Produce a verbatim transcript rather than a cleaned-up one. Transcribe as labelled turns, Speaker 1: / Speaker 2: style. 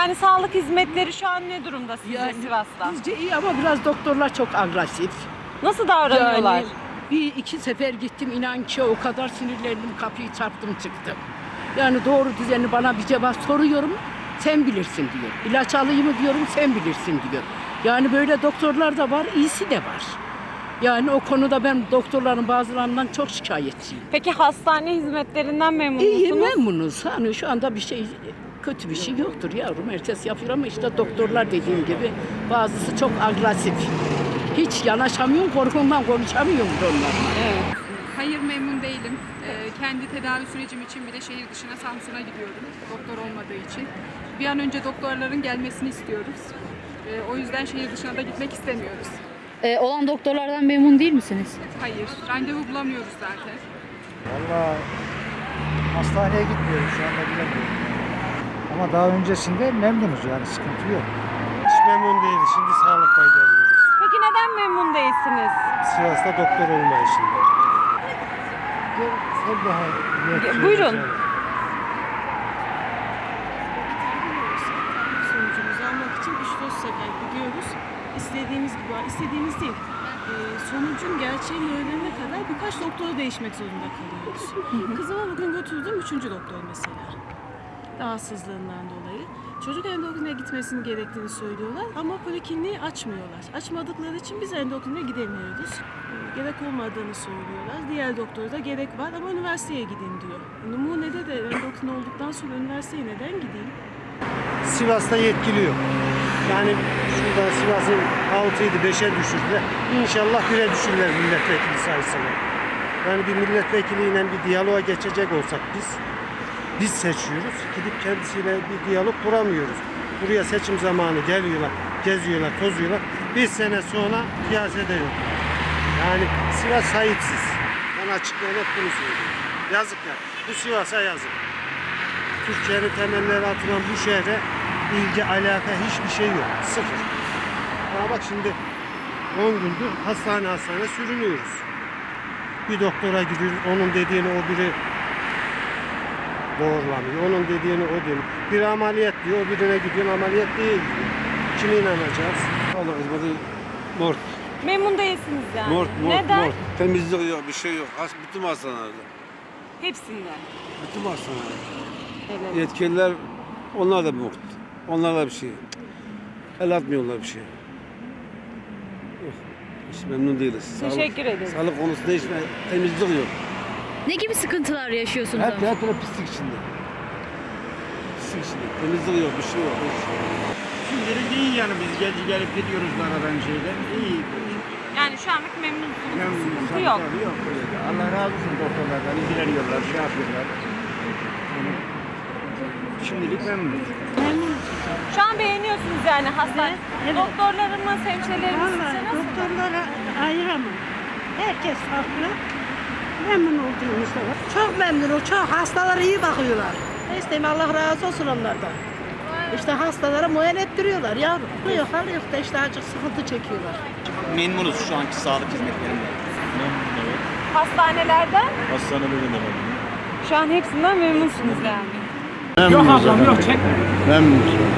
Speaker 1: Yani sağlık hizmetleri şu an ne durumda sizce
Speaker 2: Yani
Speaker 1: Sivas'ta?
Speaker 2: Bizce iyi ama biraz doktorlar çok agresif.
Speaker 1: Nasıl davranıyorlar?
Speaker 2: Yani bir iki sefer gittim, inan ki o kadar sinirlendim, kapıyı çarptım çıktım. Yani doğru düzenli bana bir cevap soruyorum, sen bilirsin diyor. İlaç alayım mı diyorum, sen bilirsin diyor. Yani böyle doktorlar da var, iyisi de var. Yani o konuda ben doktorların bazılarından çok şikayetçiyim.
Speaker 1: Peki hastane hizmetlerinden memnun
Speaker 2: İyi,
Speaker 1: musunuz?
Speaker 2: memnunuz. Hani şu anda bir şey, kötü bir şey yoktur yavrum. Herkes yapıyor ama işte doktorlar dediğim gibi bazısı çok agresif. Hiç yanaşamıyorum, korkumdan konuşamıyorum onlarla.
Speaker 1: Evet.
Speaker 3: Hayır, memnun değilim. Ee, kendi tedavi sürecim için bile şehir dışına, Samsun'a gidiyorum. Doktor olmadığı için. Bir an önce doktorların gelmesini istiyoruz. Ee, o yüzden şehir dışına da gitmek istemiyoruz.
Speaker 4: Ee, olan doktorlardan memnun değil misiniz?
Speaker 3: Hayır, randevu bulamıyoruz zaten.
Speaker 5: Vallahi hastaneye gitmiyoruz şu anda, bilemiyorum. Ama daha öncesinde memnunuz, yani sıkıntı yok.
Speaker 6: Hiç memnun değiliz. Şimdi sağlıktan geliyoruz.
Speaker 1: Peki neden memnun değilsiniz?
Speaker 6: Sivas'ta doktor olmayışında.
Speaker 5: Sen daha net
Speaker 1: Buyurun.
Speaker 5: söyleyeceksin.
Speaker 7: Sonucumuzu almak için üç dört sefer gidiyoruz. İstediğimiz gibi, istediğimiz değil. Ee, sonucun gerçeğini öğrenene kadar birkaç doktora değişmek zorunda kalıyoruz. Kızıma bugün götürdüm üçüncü doktor mesela. Rahatsızlığından dolayı. Çocuk endokrine gitmesini gerektiğini söylüyorlar ama polikliniği açmıyorlar. Açmadıkları için biz endokrine gidemiyoruz. Ee, Gerek olmadığını söylüyorlar. Diğer doktora da gerek var ama üniversiteye gidin diyor. Numunede de endokrin olduktan sonra üniversiteye neden gideyim?
Speaker 6: Sivas'ta yetkili yok. Yani şurada Sivas'ın altıydı beşe düşürdüler. İnşallah bire düşürürler milletvekili sayısını. Yani bir milletvekiliyle bir diyaloğa geçecek olsak biz, biz seçiyoruz. Gidip kendisiyle bir diyalog kuramıyoruz. Buraya seçim zamanı geliyorlar, geziyorlar, tozuyorlar. Bir sene sonra piyasada yok. Yani Sivas sahipsiz. Ben açık ve net bunu söylüyorum. Yazık ya. Bu Sivas'a yazık. Türkiye'nin temelleri atılan bu şehre ilgi, alaka hiçbir şey yok. Sıfır. Ama bak şimdi on gündür hastane hastane sürünüyoruz. Bir doktora gidiyoruz, onun dediğini o biri doğrulamıyor. Onun dediğini o diyor. Bir ameliyat diyor, o birine gidiyor, ameliyat değil diyor. Kime inanacağız?
Speaker 8: Allah hizmeti mort.
Speaker 1: Memnun değilsiniz yani.
Speaker 8: Mort, mort,
Speaker 1: Neden?
Speaker 8: mort. Temizlik yok, bir şey yok. Has, bütün hastanelerde.
Speaker 1: Hepsinden.
Speaker 8: Bütün hastanelerde.
Speaker 1: Evet.
Speaker 8: Yetkililer, onlar da mort. Onlar da bir şey. El atmıyorlar bir şey. Yok. Hiç memnun değiliz.
Speaker 1: Teşekkür
Speaker 8: Sağlık,
Speaker 1: ederim.
Speaker 8: Sağlık konusunda hiç temizlik yok.
Speaker 4: Ne gibi sıkıntılar yaşıyorsunuz?
Speaker 8: Her,
Speaker 4: ama?
Speaker 8: her taraf pislik içinde. Pislik içinde. Temizlik yok, bir şey yok. Hiç.
Speaker 9: Şimdilik iyi yani, biz gece gelip gidiyoruz aradan şeyden. İyi.
Speaker 1: Yani şu anlık memnunsunuz.
Speaker 9: Memnunuz.
Speaker 1: Sıkıntı
Speaker 9: Tabii,
Speaker 1: yok.
Speaker 9: tabii, yok. öyle de. Allah razı olsun doktorlardan. İlgileniyorlar, şey yapıyorlar. Yani şimdilik memnunuz.
Speaker 1: Şu an beğeniyorsunuz yani hastane. Doktorlarımız, hemşirelerimiz sizce nasıl?
Speaker 10: Doktorlara ayıramam. Herkes farklı. Memnun olduğumuz da var. Çok memnunum, çok. Hastalara iyi bakıyorlar. Ne isteyeyim, Allah razı olsun onlardan. İşte hastalara muayene ettiriyorlar yavrum. Yok, hal yok da işte acık sıkıntı çekiyorlar.
Speaker 11: Memnunuz şu anki sağlık hizmetlerinden.
Speaker 9: Evet.
Speaker 1: Hastanelerden?
Speaker 9: Hastanede de memnunum.
Speaker 1: Şu an hepsinden memnunsunuz yani.
Speaker 9: Yok ablam yok, çekme.
Speaker 5: Memnunuz.